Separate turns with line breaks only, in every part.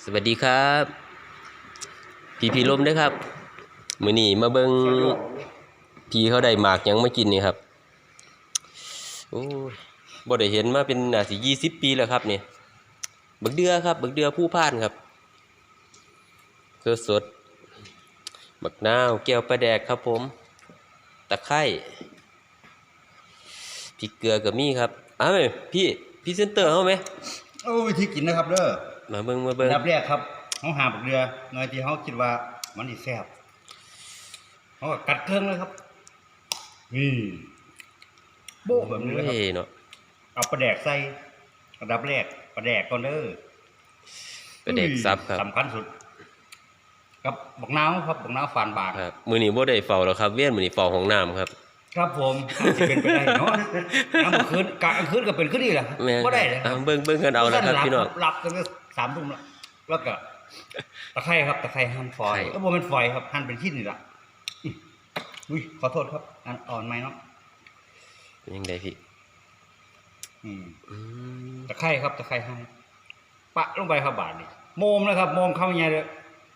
สวัสดีครับพี่ลมด้วยครับมื้อนี้มาเบิ่งพี่เขาได้หมากหยังมากินนี่ครับโอ้ยบ่ได้เห็นมาเป็นน่าสิ20 ปีแล้วครับนี่บักเดือครับบักเดือผู้พานครับสดบักนาวแก้วปลาแดกครับผมตะไคร้พริกเกลือก็มีครับอ้าวพี่เซนเตอร์เฮาไหม
วิธีกินนะครับเด้อ
มาเบิ่ง
ดับแรกครับเขาหาบักเรือเงยที่เขาคิดว่ามันสิแซ่บเขาก็กัดเครื่องเลยครับนี่โบ้แบบนี้เลยครับ
เนาะ
เอาปลาแดกใส่อันดับแรกปลาแดกก่อนเด้อ
ปลาแดกซับครับ
สำคัญสุดกับบักนาวครับบักนาวฝานบาง
ครับมื้อนี้บ่ได้เฝ้าแล้วครับเวียนมื้อนี้เฝ้าห้องน้ำครับ
ครับผมจะเป็นไปได้เนาะน้ำคืนกลางคืนก็เป็นขึ้นดีแหละก็ได้เลย
เบิ่งกันเอาแล้วครับพี่น้อง
หลับตั้งแต่3 ทุ่มแล้วก็ตะไคร้ครับตะไคร้หั่นฝอยแล้วบ่เป็นฝอยครับหั่นเป็นชิ้นนี่ล่ะอุ้ยขอโทษครับอ่อนไหมเนาะ
ยังไงพี่
ตะไคร้ครับตะไคร้หั่นปะลงไปครับบาทนี่โมมนะครับโมมเข้าใหญ่เลย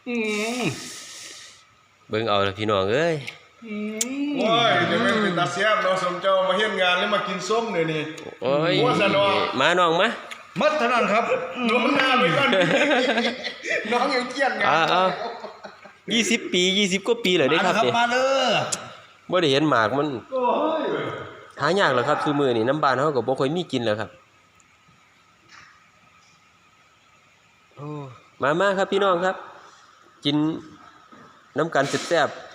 เบิ่งเอาแล้วพี่น้องเอ้ย
โอ้ยจะไม่เป็นตาเสียบเราสมเจ้ามาเฮ็ดงานแล้วมากินส้มเนี่ยนี่
โอ้ย
สนอ
มาน้องมา
มัดเท่านั้นครับ
โดนหน้าไปก่อนน้องยังเกี้ยนงาน
20 ปี20 กว่าปีเลยได้ครับ
เนี่ยมาเลย
บ่ได้เห็นหมากมัน
โอ้ย
หายากแล้วครับซุมื้อนี้น้ำบ้านเฮาก็บ่ค่อยมีกินแล้วครับโอ้มาครับพี่น้องครับกินน้ำกันแซ่บๆ